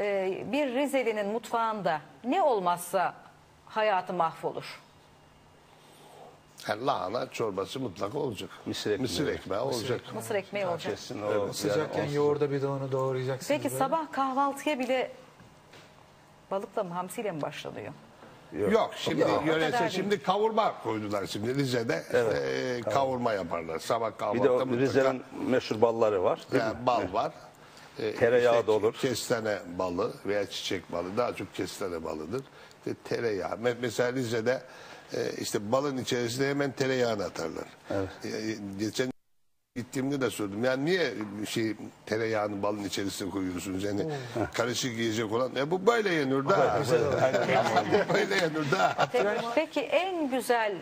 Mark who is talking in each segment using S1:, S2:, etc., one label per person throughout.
S1: bir Rizeli'nin mutfağında ne olmazsa hayatı mahvolur?
S2: Yani lahana çorbası mutlaka olacak. Mısır ekmeği olacak.
S1: Mısır ekmeği olacak.
S3: Kesin o.
S4: Sıcakken yoğurda bir de onu doğrayacaksınız.
S1: Peki
S4: böyle.
S1: sabah kahvaltıya bile balıkla mı hamsiyle mi başlanıyor?
S2: Yok şimdi
S1: o
S2: yöresel
S1: kadar
S2: şimdi kavurma koydular şimdi Rize'de kavurma yaparlar. Sabah
S3: Bir
S2: kahvaltıda
S3: de o
S2: mutlaka
S3: Rize'nin meşhur balları var. Değil mi?
S2: bal var.
S3: Tereyağı da olur.
S2: Kestane balı veya çiçek balı daha çok kestane balıdır. Tereyağı. Mesela Rize'de işte balın içerisine hemen tereyağını atarlar. Geçen gittiğimde de sordum. Yani niye tereyağını balın içerisine koyuyorsunuz? Yani karışık yiyecek olan. Bu böyle yenir daha. Böyle yenir daha.
S1: Peki en güzel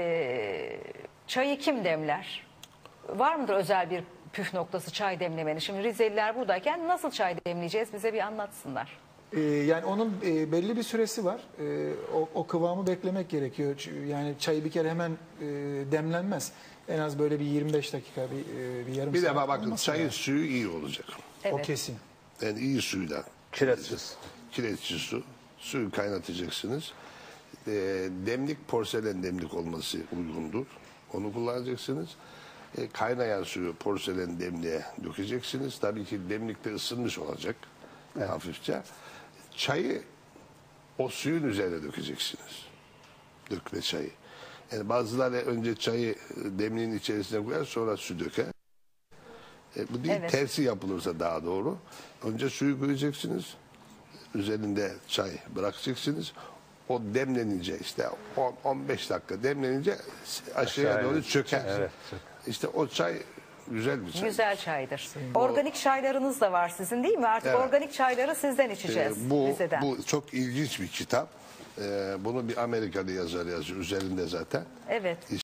S1: çayı kim demler? Var mıdır özel bir püf noktası çay demlemenin? Şimdi Rizeliler buradayken nasıl çay demleyeceğiz? Bize bir anlatsınlar.
S4: Yani onun belli bir süresi var. O kıvamı beklemek gerekiyor. Yani çayı bir kere hemen demlenmez. En az böyle bir 25 dakika, bir yarım
S2: Bir
S4: saat.
S2: de bakın
S4: olması
S2: çayın
S4: lazım.
S2: suyu iyi olacak.
S1: Evet.
S4: O kesin.
S2: Yani iyi suyla.
S3: Kiretsiz.
S2: Kireçsiz su. Suyu kaynatacaksınız. Demlik porselen demlik olması uygundur. Onu kullanacaksınız. Kaynayan suyu porselen demliğe dökeceksiniz. Tabii ki demlikte ısınmış olacak hafifçe. Çayı o suyun üzerine dökeceksiniz. Dökme çayı. Yani bazıları önce çayı demliğin içerisine koyar sonra su döker. Bu değil
S1: Evet.
S2: tersi yapılırsa daha doğru. Önce suyu koyacaksınız. Üzerinde çay bırakacaksınız. O demlenince işte 10-15 dakika demlenince aşağıya doğru çöker.
S3: Evet.
S2: İşte o çay güzel bir çay.
S1: Güzel çaydır. Organik çaylarınız da var sizin değil mi? Artık
S2: Evet.
S1: organik çayları sizden içeceğiz.
S2: Bu
S1: Rize'den.
S2: çok ilginç bir kitap. Bunu bir Amerikalı yazar yazıyor üzerinde zaten.
S1: Evet.